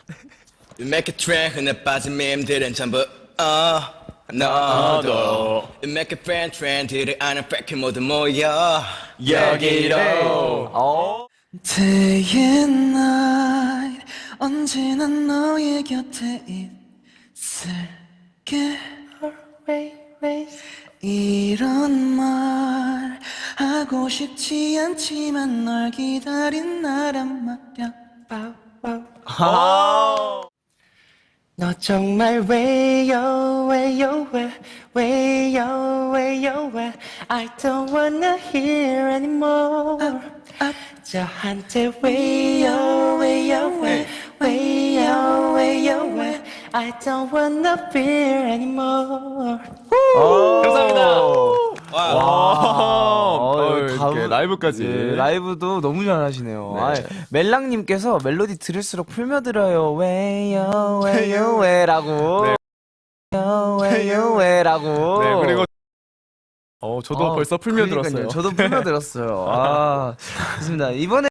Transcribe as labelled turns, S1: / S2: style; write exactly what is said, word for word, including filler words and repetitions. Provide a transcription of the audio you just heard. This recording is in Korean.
S1: You make a trend 흔해 빠진 밈들은 전부 어 너도 You make a friend 트렌드를 아는 팩트 모두 모여 여기로
S2: 어.
S3: Day and night 언제나 너의 곁에 있을게 이런 말 하고 싶지 않지만 널 기다린 나란 말야
S2: 너 정말 왜요 왜요 왜 왜요 왜요 왜 I don't wanna hear anymore 저한테 왜요 왜요 왜 왜요 왜요 왜 I don't wanna fear anymore
S4: 감사합니다.
S1: 와.
S4: 어, 이렇게
S5: 다음-
S4: 라이브까지.
S5: 예, 라이브도 너무 잘하시네요.
S4: 네.
S5: 아, 멜랑님께서 멜로디 들을수록 풀며들어요. 왜요, 왜요, 왜라고.
S4: 네.
S5: 왜요, 왜요, 왜라고.
S4: 네, 그리고 어, 저도
S5: 아,
S4: 벌써 풀며
S5: 그러니까요.
S4: 들었어요.
S5: 저도 풀며 들었어요. 아, 좋습니다. 이번에